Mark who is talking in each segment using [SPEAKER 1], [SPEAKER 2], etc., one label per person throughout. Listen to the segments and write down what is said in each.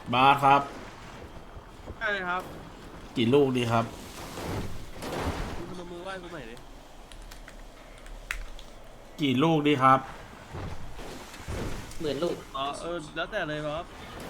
[SPEAKER 1] บาสครับ
[SPEAKER 2] ใช่ครับ
[SPEAKER 1] กี่ลูกดีครับ
[SPEAKER 2] คุณพนมมือไหว้กูหน่อยดิ
[SPEAKER 1] กี่ลูกดีครับ
[SPEAKER 3] 10,000 ลูก
[SPEAKER 2] อ๋อแล้วแต่เลยครับ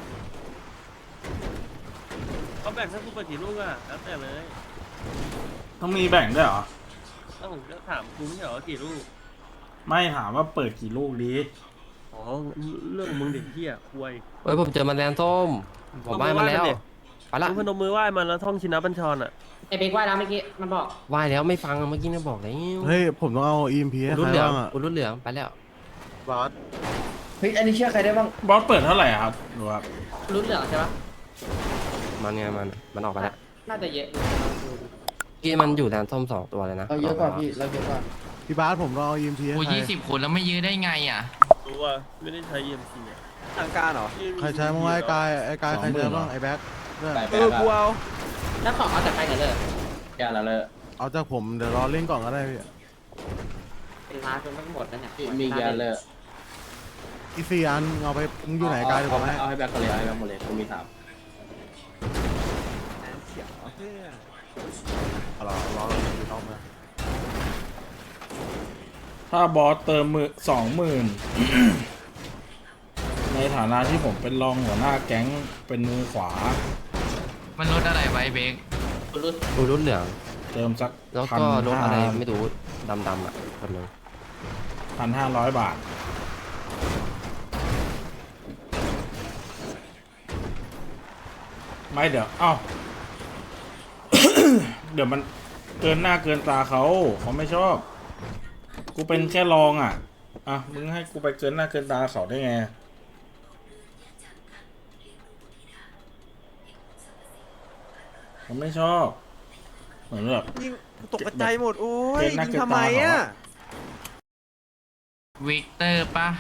[SPEAKER 2] เขาแบ่งให้กูไปกี่ลูกอ่ะแล้วแต่เลย
[SPEAKER 1] ต้องมีแบ่งด้วยเหรอ
[SPEAKER 2] แล้วผมจะถามกูไม่ใช่เหรอกี่ลูก
[SPEAKER 1] ไม่ถามว่าเปิดกี่ลูกดี
[SPEAKER 2] อ๋อเรื่องมึงเด็กเหี้ยควย
[SPEAKER 4] เฮ้ยผมเจอแมลงส้มผมว่ายมาแล้วไปละ
[SPEAKER 2] คุณพนมมือไหว้มันแล้วท่องชินบัญชรอ่ะ
[SPEAKER 3] ไอเบกว่าแล้วเมื่อกี้มันบอก
[SPEAKER 4] ว่ายแล้วไม่ฟังเมื่อกี้นะบอกแล้ว
[SPEAKER 5] เฮ้ยผมต้องเอา EMP ให้
[SPEAKER 4] รุ่
[SPEAKER 5] ใคร
[SPEAKER 4] นเหลือง
[SPEAKER 5] บ้างอ่ะ
[SPEAKER 4] รุ่นเหลืองไปแล้ว
[SPEAKER 5] บอส
[SPEAKER 6] เฮ้ยอันนี้เชื่อใครได้บ้าง
[SPEAKER 1] บอสเปิดเท่าไหร่ครับดูครับ
[SPEAKER 3] รุ่นเหลืองใช่ปะ
[SPEAKER 4] มันไงมันออกไปแล้ว
[SPEAKER 3] น่าจะเยอะ
[SPEAKER 4] กี้มันอยู่แลนส้ม2 ตัวเลยนะ
[SPEAKER 6] เราเยอะกว่าพี่เราเยอะกว่า
[SPEAKER 5] พี่บาสผมต้องเอา EMP ให้
[SPEAKER 7] โอ้
[SPEAKER 5] ใคร
[SPEAKER 7] 20 คนแล้วไม่ยื้อได้ไงอ่ะ
[SPEAKER 2] รู้ว่าไม่ได้ใช้ EMC อ่ะ
[SPEAKER 8] ทางการเหรอ
[SPEAKER 5] ใครใช้บ้างวะไอ้กายใครใช้บ้างไอ้แบ็คเพื่อน
[SPEAKER 8] กูเอา
[SPEAKER 3] แล้วของเอาจากใครกันเลย
[SPEAKER 6] แกแล้วเลย
[SPEAKER 5] เอาจากผมเดี๋ยวรอเล่นก่อนก็ได้พี่
[SPEAKER 3] เป็นล้านจนทั้งหมดแล้วเนี่ย
[SPEAKER 6] มีแกเลย
[SPEAKER 5] อีก4 อันเอาไปมึงอยู่ไหนกายเดี๋ยวผมให้
[SPEAKER 6] เอาให้แบ็คก็เลยเอาให้แบ็คหมดเลยกูมี3
[SPEAKER 5] เอารอเอามา
[SPEAKER 1] ถ้าบอสเติม20,000 ในฐานะที่ผมเป็นรองหัวหน้าแก๊งเป็นมือขวา
[SPEAKER 7] มันลดอะไรไว้เบก
[SPEAKER 4] รุ่นเหลือง
[SPEAKER 1] เติมสัก
[SPEAKER 4] แล้วก็รถอะไรไม่รู้ดำอ่ะคนนึง
[SPEAKER 1] 1,500 บาทไม่เดี๋ยวเอ้า เดี๋ยวมันเกินหน้าเกินตาเขาไม่ชอบ กูเป็นแค่รองอ่ะมึงให้กูไปเกินหน้าเกินตาเขาได้ไงผมไม่ชอบเหมือนแบบ
[SPEAKER 8] ยิงตกใจหมดโอ้ย
[SPEAKER 1] เกินหน้า
[SPEAKER 8] ยิง
[SPEAKER 1] เกิน
[SPEAKER 8] ทำไม
[SPEAKER 1] ตาเหรอ
[SPEAKER 8] อ่ะ
[SPEAKER 7] วิกเตอร์ปะ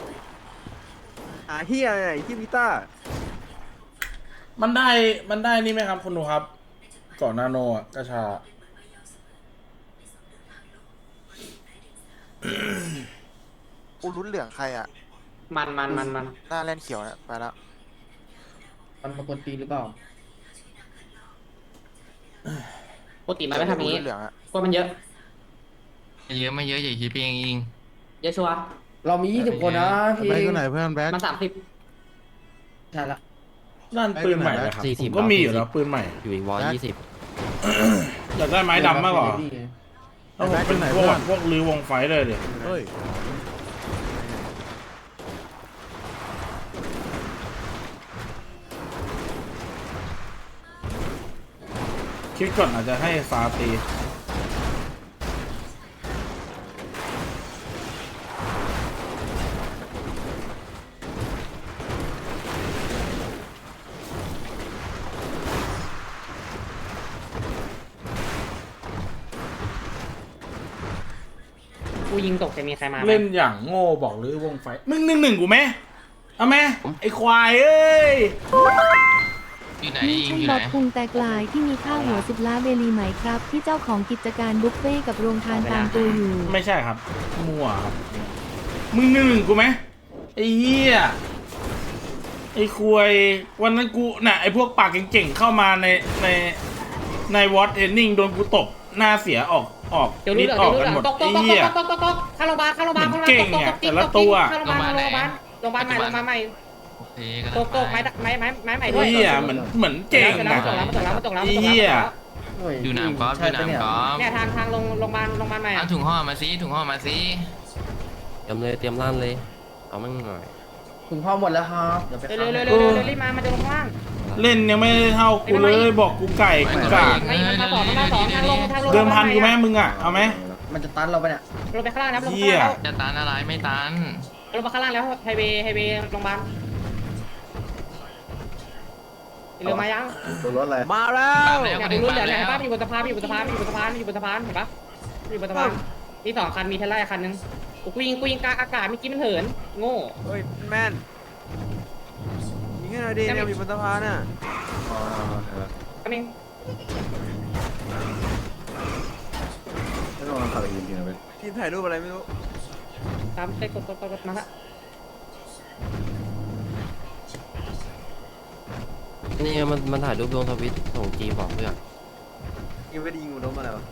[SPEAKER 8] เฮียอะไรที่พิต้า
[SPEAKER 1] มันได้นี่ไหมครับคุณดูครับก่อนนาโนอ่ะกระชา
[SPEAKER 9] อูรุนเหลืองใครอ่ะ
[SPEAKER 3] มัน
[SPEAKER 9] หน้าแลนเขียวนะไปแล้ว
[SPEAKER 6] มันปกติหรือเปล่า
[SPEAKER 3] ปกติมันไม่ทำอย่างนี้
[SPEAKER 9] เหลืองอ่ะ
[SPEAKER 3] กลัวมันเยอะ
[SPEAKER 7] ไม่เยอะไม่เยอะอย่าคิดไปเอง
[SPEAKER 3] เยอะชัวร์
[SPEAKER 6] เรามี20 คนนะพี่
[SPEAKER 5] แบ็คอยู่ไหนเพื่อนแบ็ค
[SPEAKER 3] มัน30
[SPEAKER 6] ใช่ละ
[SPEAKER 1] นั่นปืนใหม่นะครับผมก็มีอยู่แล้วปืนใหม่
[SPEAKER 4] อยู่อีก120
[SPEAKER 1] อยากได้ไม้ดำมากกว่าถ้าผมเป็นพวกลือวงไฟเลยเดี๋ยว
[SPEAKER 5] เฮ้ย
[SPEAKER 1] คิดก่อนอาจจะให้ฟาตี
[SPEAKER 3] กูยิงตกจะมีใครมาไหม
[SPEAKER 1] เล่นอย่างโง่บอกลือวงไฟมึง1-1กูไหมเอาไหมไอควายเอ้ย
[SPEAKER 7] อยู่ไหน
[SPEAKER 10] นี่
[SPEAKER 7] อิง
[SPEAKER 10] ใช่
[SPEAKER 7] อยู่
[SPEAKER 10] บ๊
[SPEAKER 7] ไหน
[SPEAKER 10] อบพุงแตกลายที่มีค่าหัว10 ล้านเบลีไหมครับ ที่เจ้าของกิจการบุฟเฟ่กับโรงทานตามตัวอยู่
[SPEAKER 1] ไม่ใช่ครับมั่วครับมึง1-1กูไหมไอเหี้ยไอควายวันนั้นกูน่ะไอพวกปากเก่งๆเข้ามาในวอตเทนนิ่งโดนกูตบหน้าเสียออก
[SPEAKER 3] เดี๋ยวรู้
[SPEAKER 1] นิด
[SPEAKER 3] เหลือง
[SPEAKER 1] ออก
[SPEAKER 3] เดี๋ยว
[SPEAKER 1] กันหม
[SPEAKER 3] รู้
[SPEAKER 1] ด
[SPEAKER 3] เหลืองตก
[SPEAKER 1] ไอ้เหี้ย
[SPEAKER 3] เข้าโรงพยาบาลเข้าโรงพยาบาล
[SPEAKER 1] เหมือนเก่งอะแต่ละตัว
[SPEAKER 3] เข้าโรงพยาบาลโรงพยาบาลใหม่โรงพยาบาลใหม่
[SPEAKER 7] โอเคก็
[SPEAKER 3] ตกไม้ใหม่ด้ว
[SPEAKER 1] ไอ้
[SPEAKER 3] ย
[SPEAKER 1] เหี้ยเหมือนเก่ง
[SPEAKER 3] แล้
[SPEAKER 1] อะ
[SPEAKER 3] วมันตกแล้ว
[SPEAKER 1] ไอ้เหี้ย
[SPEAKER 7] อยู่หนามกอล์ฟอยู่หนามกอล์ฟ
[SPEAKER 3] เนี่ยทางโรงพยาบาลใหม่
[SPEAKER 7] เอาถุงห่อมาสิถุงห่อมาสิ
[SPEAKER 4] เตรียมลั่นเลยเอามั่งหน่อย
[SPEAKER 6] คุณพ่อหมดแล้วครับเดี๋ยวไป
[SPEAKER 3] เร็วรีบมาจะลงข้างล่าง
[SPEAKER 1] เล่นยังไม่ได้เท่ากูเลยบอกกูไก่กูกาก
[SPEAKER 3] ไม่มันมาสองทางลง
[SPEAKER 1] เดิมพันกูไหมมึงอะเอาไหม
[SPEAKER 6] มันจะตันเราไปเนี่ย
[SPEAKER 3] ลงไปข้างล่างนะลง
[SPEAKER 1] เหี้
[SPEAKER 3] ข้าง
[SPEAKER 1] ย
[SPEAKER 3] ล่าง
[SPEAKER 7] จะตันอะไรไม่ตัน
[SPEAKER 3] ลงมาข้างล่างแล้วไฮเวย์โรงพยาบาลเร็วมายัง
[SPEAKER 8] ตัวรถอะไรมาแล้
[SPEAKER 7] ปั๊
[SPEAKER 8] ว
[SPEAKER 7] มแล้ว
[SPEAKER 3] เนี่ย
[SPEAKER 7] ก็ถึง
[SPEAKER 3] รู้
[SPEAKER 7] ปั๊ม
[SPEAKER 3] เดี๋ยว
[SPEAKER 7] แล้
[SPEAKER 3] เห็น
[SPEAKER 7] ว
[SPEAKER 3] ป่ะอยู่บนสะพานเห็นป่ะอยู่บนสะพานนี่บนสะพานนี่2 คันมีเทสลาคันนึงกูยิงกลางอากาศเมื่อกี้มันเหินโง่
[SPEAKER 8] เฮ้ยแม่นยิงให้หน่อยดิเนี่ยมีบนสะพานน่ะ
[SPEAKER 3] ก็นึง
[SPEAKER 8] ทีมถ่ายรูปอะไรไม่รู้
[SPEAKER 3] ตามไปกดมาละ
[SPEAKER 4] นี่มันถ่ายรูปลงทวิตส่งจีบอกเพื่อน
[SPEAKER 8] ยังไม่ได้ยิงอุดมอะไรวะ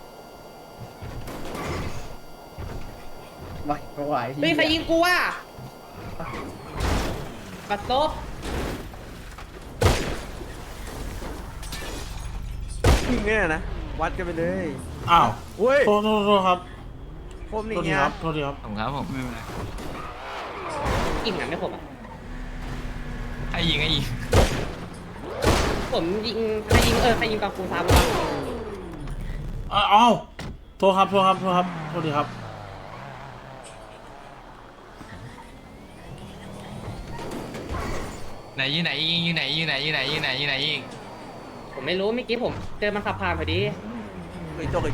[SPEAKER 6] ไม่ไหว
[SPEAKER 3] เฮ้ยใครยิงกูอ่ะบัตรซบ
[SPEAKER 8] ยิงเนี่ยนะวัดกันไปเลย
[SPEAKER 1] อ้าว
[SPEAKER 8] เว้ย
[SPEAKER 1] โทษครับ
[SPEAKER 8] คม
[SPEAKER 1] โท
[SPEAKER 8] นี่
[SPEAKER 1] ษที
[SPEAKER 8] เงี้ย
[SPEAKER 1] ครับโทษทีครับ
[SPEAKER 7] ผมครับผมไม่เป็นไร
[SPEAKER 3] ยิงหนังไม่ผมอ่ะ
[SPEAKER 7] ให้ยิงให้ยิง
[SPEAKER 3] ผมยิงใครยิงใครยิงกับกูซ้ำวะ
[SPEAKER 1] อ้าวโทษครับโทษทีครับ
[SPEAKER 7] ไหนอยู่ไหนยิงอยู่ไหนยิง
[SPEAKER 3] ผมไม่รู้เมื่อกี้ผมเจอมันขับผ่านพอดี
[SPEAKER 8] จบ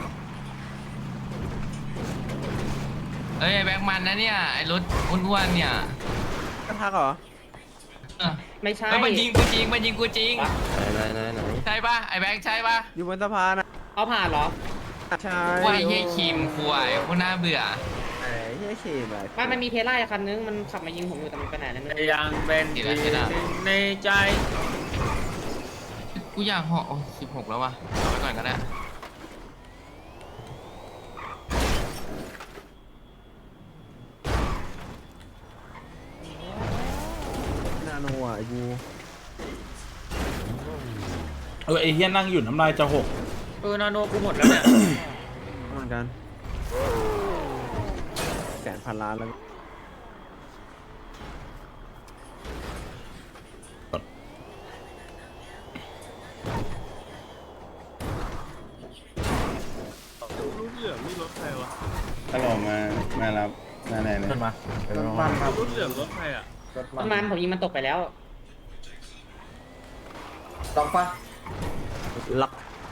[SPEAKER 7] เอ้ยไอ้แบ็คมันนะเนี่ยไอ้รถอ้วนๆเนี่ย
[SPEAKER 8] กระทักเหรอ
[SPEAKER 7] เออ
[SPEAKER 3] ไม่ใช่
[SPEAKER 7] เอ้ยมันยิงกูจริงไหน
[SPEAKER 4] ไหน
[SPEAKER 7] ใช่ปะไอ้แบ็คใช่ปะ
[SPEAKER 8] อยู่บนสะพานอ่ะ
[SPEAKER 3] เอาผ่านเหรอ
[SPEAKER 8] ใช่
[SPEAKER 7] ว่าไอ้เหี้ยคิมควายโคตรน่าเบื่อ
[SPEAKER 8] ไอ้เหี้ยเคแบบ
[SPEAKER 3] มันมีเทสลาคันนึงมันขับมายิงผมอยู่แต่มันไปไหนแล้วไม่รู้
[SPEAKER 2] ยังเป็นในใจ
[SPEAKER 7] กูอยากเหาะ16แล้ววะเอาไว้ก่อนก็ได้
[SPEAKER 8] นาโนอ่ะไอ้กู
[SPEAKER 1] ไอ้เฮียนั่งอยู่น้ำลายจะหก
[SPEAKER 2] นาโนกูหมดแล้วเนี่ย
[SPEAKER 8] เหมือนกัน100,000,000,000แล้ว
[SPEAKER 2] รุ่นเหลืองนี่รถใครวะ
[SPEAKER 9] ตลอดมารับมาไหนเนี่ย
[SPEAKER 5] มา
[SPEAKER 6] รถมันครับ
[SPEAKER 2] รุ่นเหลืองรถใครอ่ะ
[SPEAKER 6] รถ
[SPEAKER 3] ประมาณผมยิงมันตกไปแล้ว
[SPEAKER 6] ลองปะ
[SPEAKER 8] ล็อก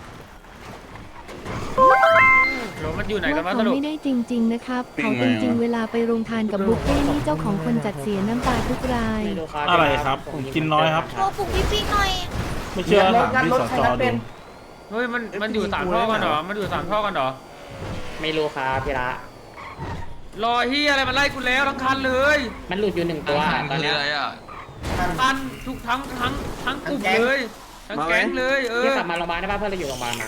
[SPEAKER 2] รถมันอยู่ไหนกัน
[SPEAKER 10] ว่า
[SPEAKER 2] มาส
[SPEAKER 10] เขา
[SPEAKER 2] รุป
[SPEAKER 10] ไม่ได้จริง ๆ นะครับ เขาเป็นจริงเวลาไปโรงทานกับบุฟเฟ่นี่เจ้าของคนจัดเสียน้ำตาทุกราย
[SPEAKER 3] ไม่รู้ครับ
[SPEAKER 1] อะไรครับผมกินน้อยครับ
[SPEAKER 10] โทรปลุกพี่หน่อย
[SPEAKER 1] ไม่เชื่อถามพี่สจดู
[SPEAKER 2] เฮ้ยมันอยู่3ท่อกันเหรอมันอยู่3ท่อกันเหรอ
[SPEAKER 3] ไม่รู้ครับพี่ละ
[SPEAKER 2] รอเฮียอะไรมันไล่กูแล้วทั้งคันเลย
[SPEAKER 3] มันหลุดอยู่หนึ่งตัว
[SPEAKER 7] อาหาร
[SPEAKER 3] ตอน
[SPEAKER 7] คือ
[SPEAKER 3] เนี้ย
[SPEAKER 7] อะไรอ่ะ
[SPEAKER 2] คันทุกทั้งกลุ่มเลยทั้งแก๊งเลย
[SPEAKER 3] พี่กลับมาโรงพยาบาลได้ป่ะเพื่อนเราอยู่โรงพยาบาลมา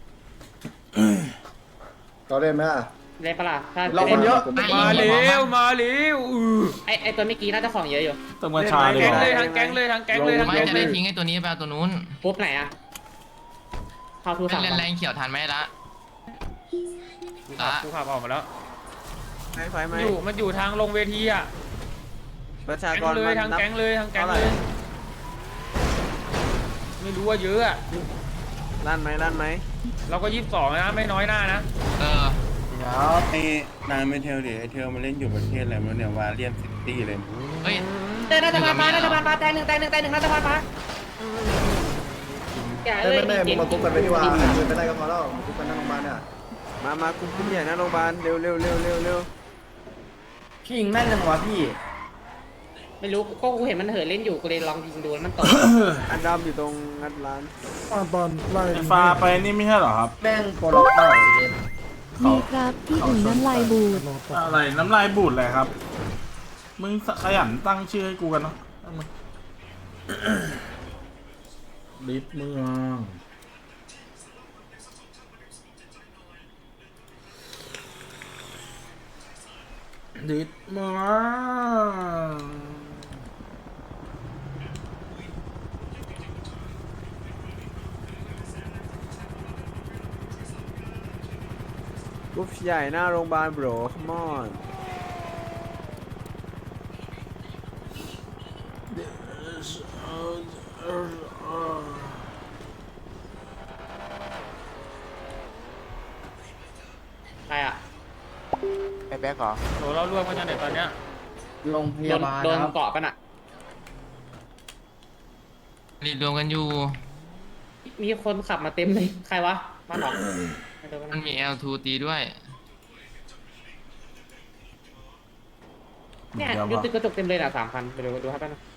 [SPEAKER 5] เราเล่นไหมอ่ะ
[SPEAKER 3] เล่นปะล่ะถ้า
[SPEAKER 6] เราคนเยอะ
[SPEAKER 2] มาเร็ว
[SPEAKER 3] ไอตัวเมื่อกี้น่าจะของเยอะอยู่
[SPEAKER 1] ต้องมาชาเลย
[SPEAKER 2] แก๊ง
[SPEAKER 1] เหรอ
[SPEAKER 2] เลยทั้งแก๊งเลยทั้งแก๊งเลยทั้ง
[SPEAKER 7] ไม่
[SPEAKER 2] แก๊ง
[SPEAKER 7] จะ
[SPEAKER 2] เล
[SPEAKER 7] ได้
[SPEAKER 2] ย
[SPEAKER 7] ทิ้งไอ้ตัวนี้ไปเอาตัวนู้น
[SPEAKER 3] ปุ๊บไหนอะเข้าทูสั่ง
[SPEAKER 7] เล่นแรงเขียวทันไหมละ
[SPEAKER 2] กูขับออกมาแล้ว
[SPEAKER 8] ไฟไหม
[SPEAKER 2] มันอยู่ทางลงเวทีอ่ะ
[SPEAKER 8] ประชา
[SPEAKER 2] แก๊
[SPEAKER 8] ก
[SPEAKER 2] ง
[SPEAKER 8] ร
[SPEAKER 2] เลยทั้งแก๊งเลยทั้งแก๊งเลยไม่รู้ว่าเยอะอ่ะ
[SPEAKER 8] ลั่นไหม
[SPEAKER 2] เราก็22นะไม่น้อยหน้านะ
[SPEAKER 7] เออ
[SPEAKER 6] เดี๋ยว
[SPEAKER 9] ไอ้นายไม่เทลดิไอ้เทลมาเล่นอยู่ประเทศอะไรไม่รู้เนี่ยวาเลียนซิตี้เลย
[SPEAKER 7] เฮ้ย
[SPEAKER 3] เดินรัฐบาลมารัฐบาลมาแตงหนึ่งรัฐบาลมาอย่าเอ้ย
[SPEAKER 5] มึงมาคุกกันไปดีกว่าไปไล่กันพอแล้วคุกกันนั่งโรงพยาบาลเนี่ย
[SPEAKER 8] มาคุมใหญ่นะโรงพยาบาลเร็ว
[SPEAKER 6] พี่ยิงแม่นจังวะพี่
[SPEAKER 3] ไม่รู้ก็กูเห็นมันเหินเล่นอยู่กูเลยลองยิงดูแล้วมันตก
[SPEAKER 8] อันดำอยู่ตรงงัดร้าน
[SPEAKER 5] ตอนไล่
[SPEAKER 1] ไอ้ฟ้าไปนี่ไม่ใช่เหรอครับ
[SPEAKER 6] แม่งโปรล็อกเปล่าอีเดน
[SPEAKER 10] มีครับที่อุ่นน้ำลายบูด
[SPEAKER 1] อะไรน้ำลายบูดเลยครับ มึงขยันตั้งชื่อให้กูกันเนาะตั้งมาลิฟเมืองลิฟเมือง
[SPEAKER 8] กรุ๊ปใหญ่หน้าโรงพยาบาลโบรคัมอน
[SPEAKER 3] ใครอะ
[SPEAKER 9] ไอ้แบ็คเหรอ
[SPEAKER 2] โหเรารวมกันยังไงตอนเนี้ย
[SPEAKER 6] โรงพยาบาล
[SPEAKER 3] โดน
[SPEAKER 6] นะครับ
[SPEAKER 3] เกาะกันอะ
[SPEAKER 7] รีบรวมกันอยู่
[SPEAKER 3] มีคนขับมาเต็มเลยใครวะมาหรอ
[SPEAKER 7] มันมี L2 ตีด้วย
[SPEAKER 3] เนี่ยยูติดกระจกเต็มเลยน่ะ3,000ไปดูครับแป๊บนึง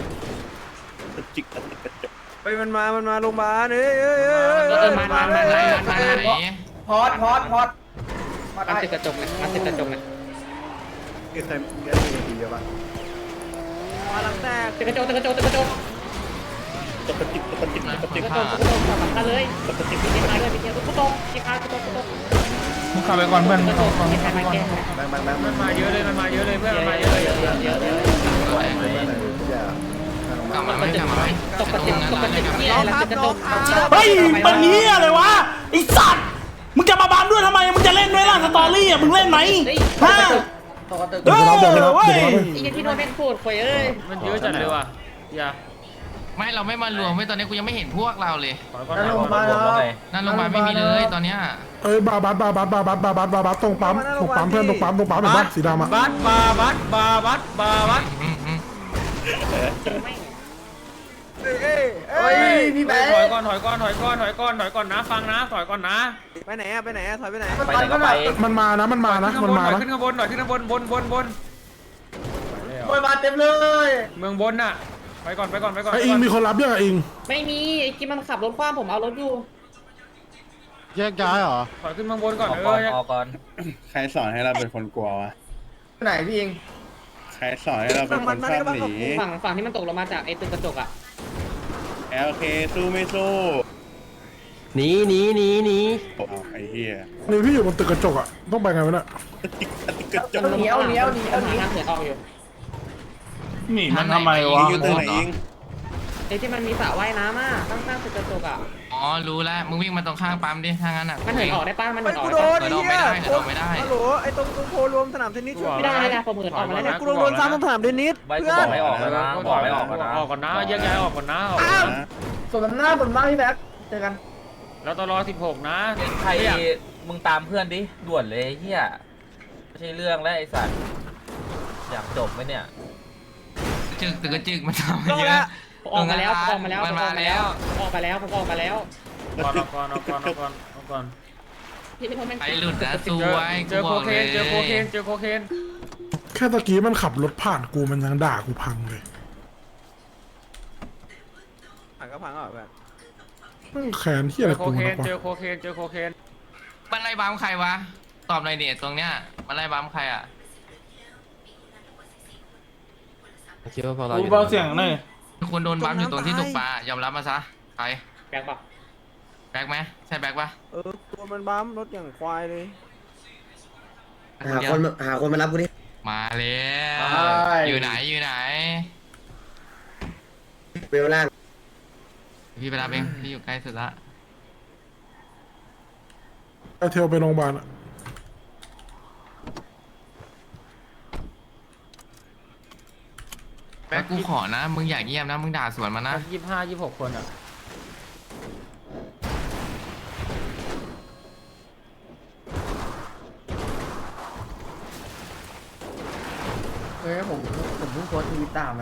[SPEAKER 8] ไปมันมาโรงพยาบาลเอ้ย
[SPEAKER 3] มา
[SPEAKER 7] ไหน
[SPEAKER 6] พอด
[SPEAKER 3] มัน
[SPEAKER 6] ได้
[SPEAKER 3] ติดกระจกเนี่ยมันติดกระจกเนี่ย
[SPEAKER 5] คือใครมีทีเดียวปะ
[SPEAKER 8] มาหลังแตก
[SPEAKER 3] ติดกระจก
[SPEAKER 9] ตกกระจิบตกกระจิบตกกระจิบ
[SPEAKER 3] กูตกสำคัญเลยมีเกมมาด้วยมีเกมกูตกกีฬากูตก
[SPEAKER 1] มึงขับไปก่อนเพื่อน
[SPEAKER 3] กูตกมีใครมาแก้
[SPEAKER 2] มันมาเยอะเลยมันมาเยอะเลยเพื่อนมันมาเยอะเลย
[SPEAKER 7] กลับมาไหมกลับมาไหม
[SPEAKER 3] ตกกระติกเนี่ยแล้วจะตก
[SPEAKER 1] เฮ้ยเป็นเหี้ยอะไรวะไอ้สัตว์มึงจะมาบานด้วยทำไมมึงจะเล่นด้วยล่ะสตอรี่อ่ะมึงเล่นไหมฮะ
[SPEAKER 6] ตกกระตึก
[SPEAKER 1] เออเว้ย
[SPEAKER 3] อีกที่โดนแม่งพูดข่อยเอ้ย
[SPEAKER 2] มันเยอะจัดเลยว่ะอย่า
[SPEAKER 7] ไม่เราไม่มารวมไม่ตอนนี้กูยังไม่เห็นพวกเราเลย
[SPEAKER 6] นั่นลงมาแล้ว
[SPEAKER 7] นั่นลงมาไม่มีเลยตอนเนี้ย
[SPEAKER 5] เอ้ยบาบัสตรงปั๊มเพื่อนตรงปั๊มเห็นปะสีดำอ่ะ
[SPEAKER 2] บัสบาบัสบาบัสบาบัส
[SPEAKER 6] เฮ้ยพี่แบง
[SPEAKER 2] ถอย
[SPEAKER 6] ค์
[SPEAKER 2] ก่อนถอยก่อนถอยก่อนถอยก่อนถอยก่อนนะฟังนะถอยก่อนนะ
[SPEAKER 8] ไปไหนอะไปไหนอะถอยไปไหน
[SPEAKER 6] มันไปก็ไป
[SPEAKER 5] มันมานะ
[SPEAKER 2] ขึ้นข้างบนหน่อยขึ้นข้างบนบน
[SPEAKER 6] มวยมาเต็มเลย
[SPEAKER 2] เมืองบนน่ะไปก่อน
[SPEAKER 5] ไออิงมีคนรับยังไงอิง
[SPEAKER 3] ไม่มีไอ้กิมมันขับรถคว้างผมเอารถอยู่
[SPEAKER 5] แยกย้ายเหรอ
[SPEAKER 2] ถอยขึ้นเมืองบนก่อน
[SPEAKER 7] ออกก่อน
[SPEAKER 9] ใครสอนให้เราเป็นคนกลัววะ
[SPEAKER 6] ไหนพี่เอง
[SPEAKER 9] ใครสอนให้เราเป็นคนชอบหนี
[SPEAKER 3] ฝั่งที่มันตกลงมาจากไอ้ตึกกระจกอ่ะ
[SPEAKER 9] โอเคสู้ไม่สู้
[SPEAKER 4] หนี
[SPEAKER 9] เอาไอ้เหี้ย
[SPEAKER 5] นี่พี่อยู่บนตึกกระจกอ่ะต้องไปไงวะเนี่ย
[SPEAKER 9] กระจก
[SPEAKER 6] เหนียว
[SPEAKER 3] ทางเหินออกอยู่
[SPEAKER 1] หนีมันทำไมวะ
[SPEAKER 9] ยิงอยู่ตัวไหนยิง
[SPEAKER 3] ไอ้ที่มันมีสระว่ายน้ำอ่ะข้างๆตึกกระจกอ่ะ
[SPEAKER 7] อ๋อรู้แล้วมึงวิ่งมาตรงข้างปั๊มดิถ้างั้นอ่ะ
[SPEAKER 3] มันเหินออกได้ป่ะมัน
[SPEAKER 8] ไป
[SPEAKER 3] เหินออก
[SPEAKER 8] กู
[SPEAKER 3] ได้
[SPEAKER 8] โด
[SPEAKER 3] ป่ะ
[SPEAKER 8] นไอ้เหี้ยฮัลโหลไอ้ตรงโพรวมสนามเทนนิสช่วย
[SPEAKER 3] ไม่ได้นะผมเหินออกมาแล้วเนี่ย
[SPEAKER 8] กูโดนซ้ำตรงสนามเทนนิสเพื่อน
[SPEAKER 7] ไม่ออกแล้วนะบอกไม่ออกแล้วนะ
[SPEAKER 2] ออกก่อนนะแยกย้ายออกก่อนนะ
[SPEAKER 6] สมน้ำหน้าบนบ้านพี่แบงค์เจอกัน
[SPEAKER 2] แล้วตลอ16นะ
[SPEAKER 7] ใครมึงตามเพื่อนดิด่วนเลยเฮียไม่ใช่เรื่องแล้วไอ้สัตว์อยากจบไหมเนี่ยจึกตึกจึกมันทำเยอะ
[SPEAKER 3] ออกมาแล้วออกมาแล้ว
[SPEAKER 7] มันมาแล้ว
[SPEAKER 3] ออกมาแล้วผมออกมาแล้ว
[SPEAKER 2] ก่อน
[SPEAKER 3] ที่ไม่ทำแม่ง
[SPEAKER 7] ไอ้หลุดนะซวย
[SPEAKER 2] เจอโคเคนเจอโคเคน
[SPEAKER 5] แค่ตะกี้มันขับรถผ่านกูมันยังด่ากูพังเลย
[SPEAKER 8] อ่ะก็พังอ่ะแบบ
[SPEAKER 5] แขนที่อะไร
[SPEAKER 2] โค
[SPEAKER 5] กู
[SPEAKER 2] เคน
[SPEAKER 5] นะ
[SPEAKER 2] เจอโคเคน
[SPEAKER 7] มันไล่บัมใครวะตอบหน่อยเนี่ยตรงเนี้ยมันไล่บัมใครอ่ะ
[SPEAKER 4] คิดว่าพวกเราอ
[SPEAKER 1] กู
[SPEAKER 4] ยู่
[SPEAKER 1] เบาเสียงหน่อย
[SPEAKER 7] คนโดนบัมอยู่ตรงที่ตกปลายอมรับมาซะใคร
[SPEAKER 3] แบกปะ
[SPEAKER 7] แบ็คไหมใช่แบ็คปะ
[SPEAKER 8] ตัวมันบั๊มรถอย่างควายเลย
[SPEAKER 6] หาคนมารับกูดิ
[SPEAKER 7] มาแล้วอยู่ไหน
[SPEAKER 6] เวลล่าง
[SPEAKER 7] พี่ไปรับเองพี่อยู่ใกล้สุดละ
[SPEAKER 5] ไอเทลไปโรงพยาบาลอ่ะ
[SPEAKER 7] แบ็คกูขอนะมึงอยากเยี่ยมนะมึงด่าสวนมานะ
[SPEAKER 2] 25-26คนอ่ะ
[SPEAKER 6] เฮ้ยผมเพิ่งโพสต์ทวิตตามมัน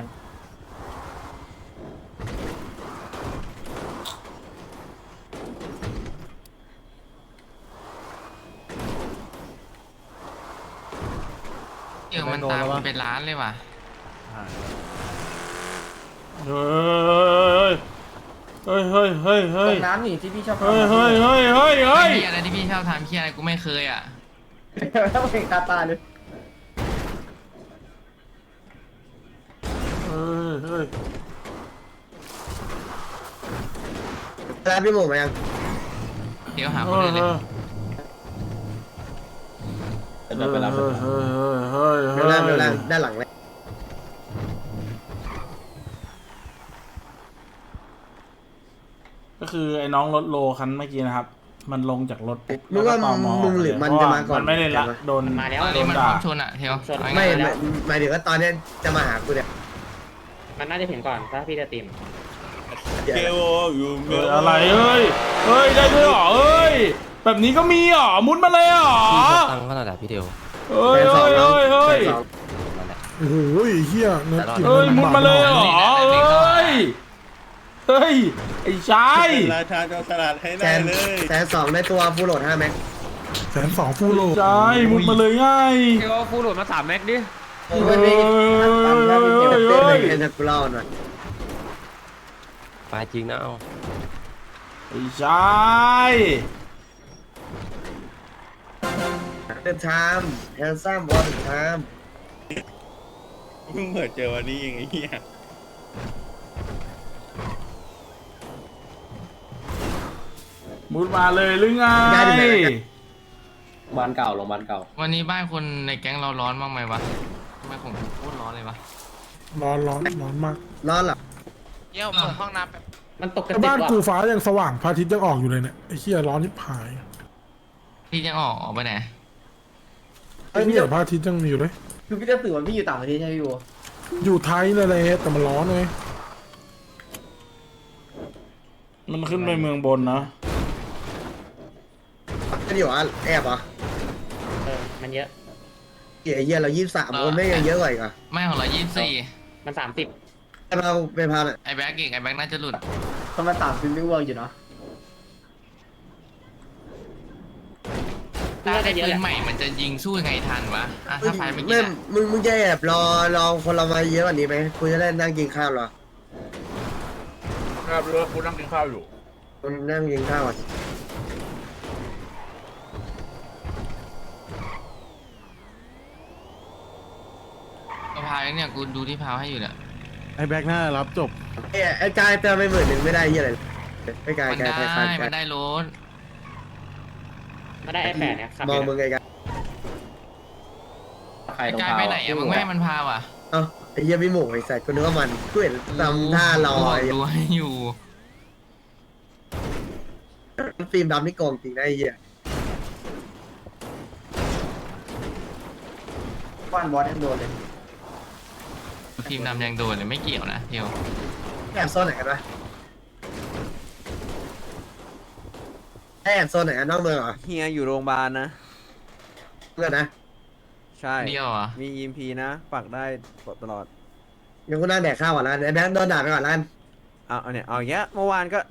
[SPEAKER 7] เดี๋ยวมันตามกูเป็นล้านเลยว่ะ
[SPEAKER 1] เฮ้ย
[SPEAKER 6] ตกน้ำนี่ที่พี่ชอบทำ
[SPEAKER 1] เฮ้ย
[SPEAKER 7] เฮียอะไรที่พี่ชอบทำเฮียอะไรกูไม่เคยอ่ะ
[SPEAKER 6] แล้วเห็นตาตาเลย แล้วพี่หมูมายัง
[SPEAKER 7] เดี๋ยวหาคนอื่นเลย
[SPEAKER 6] เวลาด้านหลังเลย
[SPEAKER 1] ก็คือไอ้น้องรถโลคันเมื่อกี้นะครับ มันลงจากรถปุ๊บ
[SPEAKER 6] มึงว่า
[SPEAKER 1] แล้วก็ต
[SPEAKER 6] มึงหรือมันจะมาก่อน
[SPEAKER 1] มันไม่ได้ละโดน
[SPEAKER 3] มาแล้ว
[SPEAKER 7] ตอน
[SPEAKER 1] โด
[SPEAKER 7] นี้
[SPEAKER 1] น
[SPEAKER 7] มันพร้
[SPEAKER 1] ด่า
[SPEAKER 7] อมชนอ่ะเทียว
[SPEAKER 6] ไม่หมายถึงว่าตอนนี้จะมาหากูเนี่ย
[SPEAKER 3] มันน่าจะเห็นก่อนถ้าพี่จะติม
[SPEAKER 9] เกลอยู่เมล
[SPEAKER 1] อะไรเฮ้ยได้ด้วยเหรอเอ้ยแบบนี้ก็มีเหรอมุดมาเลยเหรอ
[SPEAKER 4] พี่เขาตั้งขนาดไหนพี่เดียว
[SPEAKER 1] เฮ้ย
[SPEAKER 4] นั่นแหละ
[SPEAKER 5] โอ้โหเฮียเนื้อกิน
[SPEAKER 1] เฮ้ยมุดมาเลยเหรอเฮ้ยไอ้ชาย
[SPEAKER 9] เป็นราชาโจรสลัดให้ได้เลย
[SPEAKER 6] แสนสองได้ตัวฟูโหลด5 แม็ก
[SPEAKER 5] 120,000ฟูโล
[SPEAKER 1] ชายมุดมาเลยง่าย
[SPEAKER 2] เดี๋ยวฟูโหลดมา3 แม็กดิ
[SPEAKER 6] โอ้ยพี่ปั่นแล้วพี่เก็บเต้นเลยเอ็นกูเล่าหน่อย
[SPEAKER 4] ไปจริงนะเอา
[SPEAKER 1] ไอ้ชาย
[SPEAKER 6] เดินชามแฮนซัมบอลชาม
[SPEAKER 9] เพิ่งเปิดเจอวันนี้เองไอ้เหี้ย
[SPEAKER 1] มุดมาเลยหรือไง
[SPEAKER 6] บ้านเก่าโรงพยาบาลเก่า
[SPEAKER 2] วันนี้บ้านคนในแก๊งเราร้อนบ้างไหมวะทำไมผมโคตรร้อนเลยวะ
[SPEAKER 5] ร้อนมาก
[SPEAKER 6] ร้อนเหรอ
[SPEAKER 2] เยี่ยมผมห้องน้ำแบบ
[SPEAKER 3] มันตกกระ
[SPEAKER 5] แต่
[SPEAKER 3] ติก
[SPEAKER 5] บ้าน
[SPEAKER 3] ว่ะ
[SPEAKER 5] กูฟ้ายังสว่างพระอาทิตย์ยังออกอยู่เลยเนี่ยไอ้เหี้ยร้อนที่ผาย
[SPEAKER 2] พี่ยังออกไปไหน
[SPEAKER 5] ไอ้เนี่ยพระอาทิตย์ยังมีอยู่เลย
[SPEAKER 6] คือพี่จะสื่อว่าพี่อยู่ต่างประเทศใช่ไหมพี่บัว
[SPEAKER 5] อยู่ไทยเลยเลยแต่มันร้อนไง
[SPEAKER 1] มันขึ้นไปเมืองบนนะ
[SPEAKER 6] จะอยู่อ่ะแอบเหรอ
[SPEAKER 3] มันเยอะ
[SPEAKER 6] เหี้ยเรา23คนไม่ยังเยอะกว่าอีกอ่ะ
[SPEAKER 2] ไม่ของเรา24
[SPEAKER 3] มัน30
[SPEAKER 6] เราไปพาหน่อย
[SPEAKER 2] ไอ้แบ็กอีกไอ้แบ็กน่าจะหลุด
[SPEAKER 6] ประมาณ30ไม่เวิร์กอยู่เนาะ
[SPEAKER 2] ถ้าได้ปืนใหม่มันจะยิงสู้ยังไงทันวะอ่ะถ้าไฟไม่กิน
[SPEAKER 6] ไม่
[SPEAKER 2] อะ
[SPEAKER 6] มึงจะแอบรอคนเรามาเยอะกว่านี้ไหมกูจะได้นั่งกินข้าวเหรอ
[SPEAKER 9] ครับรู้ว่ากูนั่งกินข้าวอยู่
[SPEAKER 6] กูนั่งกินข้าวอ่ะ
[SPEAKER 2] กระพายเนี่ยกูดูที่พาวให้อยู่เนี่ย
[SPEAKER 5] ไอ้แบ็คหน้ารับจบ
[SPEAKER 6] ไอ้กายเติมไป10,000ไม่ได้เหี้ยอะไรไอ้กาย
[SPEAKER 2] มันได้ มันได้รถ
[SPEAKER 3] มาได้ไอ้แปดเนี่ยขับ
[SPEAKER 6] มองมึงไงกัน
[SPEAKER 2] ไอ้กายไปไหนอะมึงไม่ให้มันพาวอ่ะ
[SPEAKER 6] เอ้าไอ้เหี้ยพี่หมูไอ้สัตว์กูนึกว่ามันกูเห็นทำท่ารอ
[SPEAKER 2] กูบ
[SPEAKER 6] ไอ้
[SPEAKER 2] กดูให้อยู่
[SPEAKER 6] ฟิล์มดำนี่โกงจริงนะไอ้เหี้ยบ้านบอสยังโดนเลย
[SPEAKER 2] ทีมนำยังโดนเลยไม่เกี่ยวนะเดียว
[SPEAKER 6] แอบโซนไหนกันวะแอบโซนไหนกันนอกเมืองเหรอ
[SPEAKER 8] เฮียอยู่โรงพยาบาลนะ
[SPEAKER 6] เพื่อนนะ
[SPEAKER 8] ใช่
[SPEAKER 2] เดียวเหรอ่ะ
[SPEAKER 8] มี EMP นะปักได้ตลอด
[SPEAKER 6] ยังกูนั่งแดกข้าวก่อนแล้วไอ้แบงค์โดนด่าไปก่อนแล้วกัน
[SPEAKER 8] เอาเนี่ยเอาอย่างเงี้ยเมื่อวานก็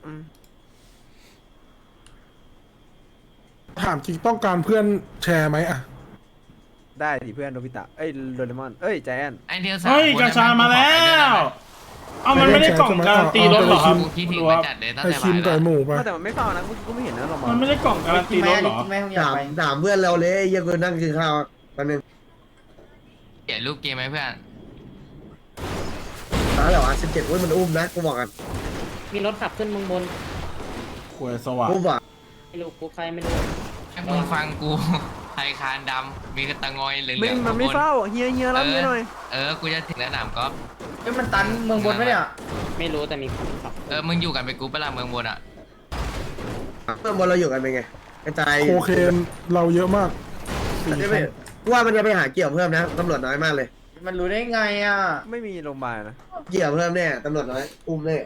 [SPEAKER 5] ถามจริงต้องการเพื่อนแชร์ไหมอะ
[SPEAKER 8] ได้ดิเพื่อนโดบิตะเอ้ยโดเรมอนเอ้ยใจแอน
[SPEAKER 2] ไอเดียวสาม
[SPEAKER 1] เฮ้ย
[SPEAKER 2] คน
[SPEAKER 1] กระชามาแล้ว เอามันไม่ได้กล่องการันตีรถเหรอครับ
[SPEAKER 2] กูคิดถึงมันจัดเลยตั้ง
[SPEAKER 5] ไอ้
[SPEAKER 2] แต่
[SPEAKER 5] คิม
[SPEAKER 2] บ่าย
[SPEAKER 5] กับ
[SPEAKER 2] แล้ว
[SPEAKER 5] ไอ้หมูไป
[SPEAKER 8] แต่มันไม่เฝ้านะกูไม่เห็นนะเรามอง
[SPEAKER 1] มันไม่ได้กล่องการันตีรถเหรอ
[SPEAKER 6] ถามเพื่อนเราเลยไอ้เหี้ยังกูนั่งกินข้าววันหนึง
[SPEAKER 2] เปลี่ยนรูปเกมไหมเพื่อน
[SPEAKER 6] แล้วเหรอ17อุ้ยมันอุ้มนะกูบอกกัน
[SPEAKER 3] มีรถขับขึ้นเมืองบน
[SPEAKER 1] ควยสว่าง
[SPEAKER 6] อุ้มว่ะ
[SPEAKER 3] ไม่รู้กูใครไม่รู้
[SPEAKER 2] ให้มึงฟังกูไทยคานดำมีกระตังงอยเหลือง
[SPEAKER 8] ไม่
[SPEAKER 2] ๆ
[SPEAKER 8] มันไม่
[SPEAKER 2] ข้างบ
[SPEAKER 8] เฝ้าเฮียรับเฮียหน่อย
[SPEAKER 2] กูจะถึงแล้วหนามก๊อฟ
[SPEAKER 6] มันตันเมืองบนไหมเนี่ย
[SPEAKER 3] ไม่รู้แต่มีคนขับ
[SPEAKER 2] มึงอยู่กันไปกูเปล่าเมืองบนอ่ะ
[SPEAKER 6] เมืองบนเราอยู่กันเป็นไงกระจาย
[SPEAKER 5] โคเคนเราเยอะมากสี่
[SPEAKER 6] ไม่
[SPEAKER 5] คัน
[SPEAKER 6] ว่ามันจะไปหาเกี่ยวเพิ่มนะตำรวจน้อยมากเลย มันรู้ได้ไงอ่ะ
[SPEAKER 8] ไม่มีโรงพยาบาลนะ
[SPEAKER 6] เกี่ยวเพิ่มแน่ตำรวจน้อยอุ้มแน่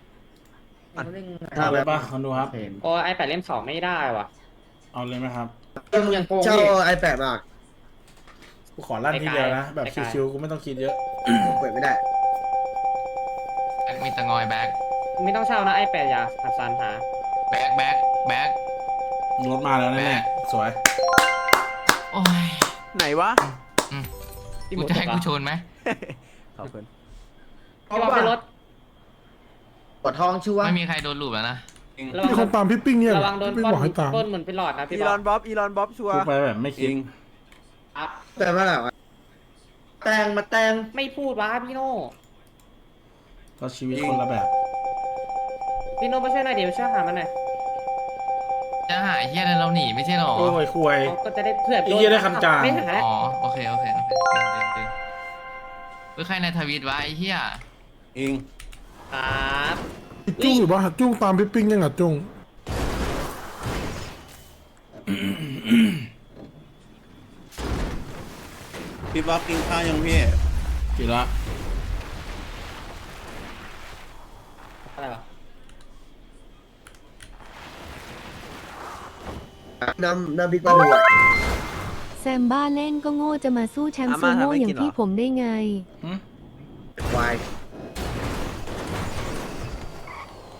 [SPEAKER 1] เอาเลยป่ะคอนดูครับ
[SPEAKER 3] โอ้ไอ้แปดเล่ม2ไม่ได้ว่ะ
[SPEAKER 1] เอาเลยไหมครับ
[SPEAKER 3] มึงยังโกง
[SPEAKER 6] เช่า
[SPEAKER 3] ดิ
[SPEAKER 6] iPad มา
[SPEAKER 1] กูขอลั่นทีเดียวนะ แบบชิวๆกูไม่ต้องคิดเยอะ
[SPEAKER 6] เปิดไม่ได้
[SPEAKER 2] มีตะงอยแบ็ค
[SPEAKER 3] ไม่ต้องเช่านะไอ้แปดอย่าหัดซันหา
[SPEAKER 2] แบ็ค
[SPEAKER 1] รถมาแล้วแน่ๆสวย
[SPEAKER 2] โอ้ย
[SPEAKER 8] ไหนวะ
[SPEAKER 3] พี่ห
[SPEAKER 2] กู
[SPEAKER 3] มู
[SPEAKER 2] จะให้
[SPEAKER 3] ตก
[SPEAKER 2] กู
[SPEAKER 3] อ่ะ
[SPEAKER 2] ชนไหม
[SPEAKER 8] ขอบคุณ
[SPEAKER 3] พี่บอลไปรถ
[SPEAKER 6] ปวดท้องชัวร์
[SPEAKER 2] ไม่มีใครโดนลูบแล้วนะ
[SPEAKER 3] ระวั
[SPEAKER 5] มีคนตามพี่ปิ้งเนี่ย
[SPEAKER 3] ระวังโดน
[SPEAKER 5] พี่
[SPEAKER 3] ปล้
[SPEAKER 5] บอกให้ตาม
[SPEAKER 3] นเหมือนเป็นหลอดนะพี่
[SPEAKER 8] อี
[SPEAKER 3] บ
[SPEAKER 8] ล
[SPEAKER 3] อ
[SPEAKER 8] อ
[SPEAKER 3] ล
[SPEAKER 8] นบ๊อบชัวร์
[SPEAKER 1] กูไปแบบไม่คิด
[SPEAKER 3] อ่ะ
[SPEAKER 6] แต่เมื่อไหร่วะแตงมาแตง
[SPEAKER 3] ไม่พูดวะพี่โน่
[SPEAKER 1] ก็ชีวิตคนละแบบ
[SPEAKER 3] พี่โน่ไม่ใช่วยหน่อยเดี๋ยวช่วยหามันหน่อย
[SPEAKER 2] จะหาไอ้เฮียอะไรเราหนีไม่ใช่หรอ
[SPEAKER 1] โอ้ยควย
[SPEAKER 3] เขาก็จะได้เผื่อ
[SPEAKER 1] ไอ้เหี้ยได้คันจาง
[SPEAKER 3] ไม่หาแล้ว
[SPEAKER 2] อ๋อโอเคดึงใครในทวิตวะไอ้เฮีย
[SPEAKER 9] เอง
[SPEAKER 3] ครับ
[SPEAKER 5] จุ้งหรือว่าจุ้งตามพี่ปิ้งยังอะจุ้ง
[SPEAKER 9] พี่บ๊อบกินข้าวยังพี่
[SPEAKER 1] กี่ละ
[SPEAKER 3] อะไรวะ
[SPEAKER 6] น้ำพริกปลาทูอะ
[SPEAKER 10] แซมบ้าเล่นก็โง่จะมาสู้แชมป์
[SPEAKER 8] อา
[SPEAKER 10] ซู
[SPEAKER 8] ม่า
[SPEAKER 10] โม่
[SPEAKER 8] ทำให้
[SPEAKER 10] อย่า
[SPEAKER 8] กิน
[SPEAKER 10] ง
[SPEAKER 8] เหรอ
[SPEAKER 10] พี่ผมได้ไง
[SPEAKER 6] ควาย